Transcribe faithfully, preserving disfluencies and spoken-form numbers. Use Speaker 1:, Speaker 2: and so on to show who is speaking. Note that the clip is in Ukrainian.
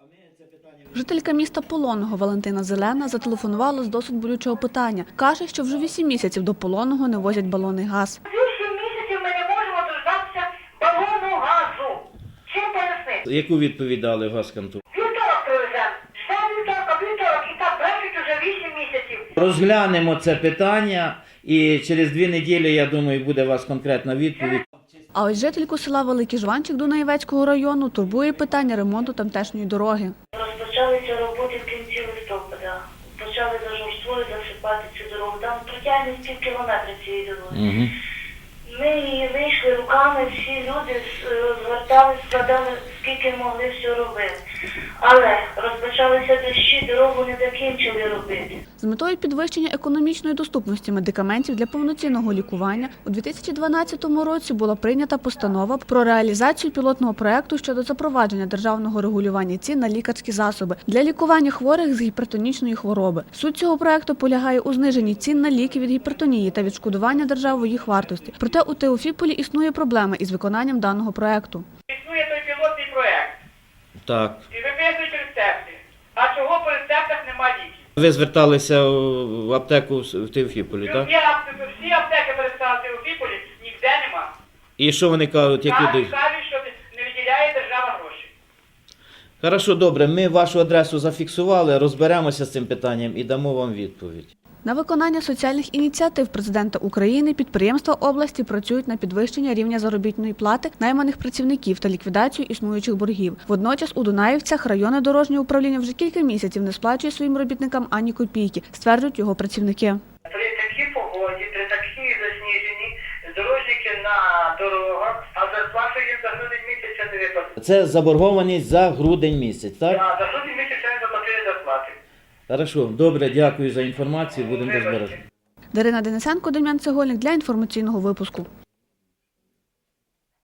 Speaker 1: Жителька міста Полонного Валентина Зелена зателефонувала з досить болючого питання. Каже, що вже вісім місяців до Полонного не возять балонний газ.
Speaker 2: Вісім місяців ми не можемо дождатися балону газу. Чим пояснити?
Speaker 3: Яку відповідь дали газконту?
Speaker 2: Вівторок привеземо. Ждемо вівторка, вівторок. І так брешуть уже вісім місяців.
Speaker 3: Розглянемо це питання і через дві неділі, я думаю, буде у вас конкретна відповідь.
Speaker 1: А ось жительку села Великий Жванчик Дунаєвецького району турбує питання ремонту тамтешньої дороги.
Speaker 2: Розпочалися роботи в кінці листопада. Почали зажорствою засипати цю дорогу. Там протяжність пів кілометра цієї дороги.
Speaker 3: Угу.
Speaker 2: Ми її вийшли руками, всі люди звертали, складали, скільки могли, все робити. Але розпочалися дощі, дорогу не закінчили робити.
Speaker 1: З метою підвищення економічної доступності медикаментів для повноцінного лікування у дві тисячі дванадцятому році була прийнята постанова про реалізацію пілотного проєкту щодо запровадження державного регулювання цін на лікарські засоби для лікування хворих з гіпертонічної хвороби. Суть цього проєкту полягає у зниженні цін на ліки від гіпертонії та відшкодування державою їх вартості. Проте у Теофіполі існує проблема із виконанням даного проєкту.
Speaker 4: Існує той пілотний проєкт.
Speaker 3: Так.
Speaker 4: І виписують рецепти. А чого по рецептах нема ліків?
Speaker 3: Ви зверталися в аптеку в Теофіполі, так?
Speaker 4: Всі аптеки, всі аптеки перестали в Теофіполі, ніде нема.
Speaker 3: І що вони кажуть, які
Speaker 4: Кажуть,
Speaker 3: дають?
Speaker 4: кажуть, що не виділяє держава гроші.
Speaker 3: Хорошо, добре, ми вашу адресу зафіксували, розберемося з цим питанням і дамо вам відповідь.
Speaker 1: На виконання соціальних ініціатив президента України підприємства області працюють на підвищення рівня заробітної плати найманих працівників та ліквідацію існуючих боргів. Водночас у Дунаївцях районне дорожнє управління вже кілька місяців не сплачує своїм робітникам ані копійки, стверджують його працівники.
Speaker 5: При такій погоді, при такій засніженні, дорожники на дорогах, а зарплату їм за грудень місяця не виплатили.
Speaker 3: Це заборгованість за грудень місяць, так?
Speaker 5: А за грудень місяця не заплатили зарплати.
Speaker 3: Хорошо, добре, дякую за інформацію, будемо розбиратися.
Speaker 1: Дарина Денисенко, Дем'ян Цегольник для інформаційного випуску.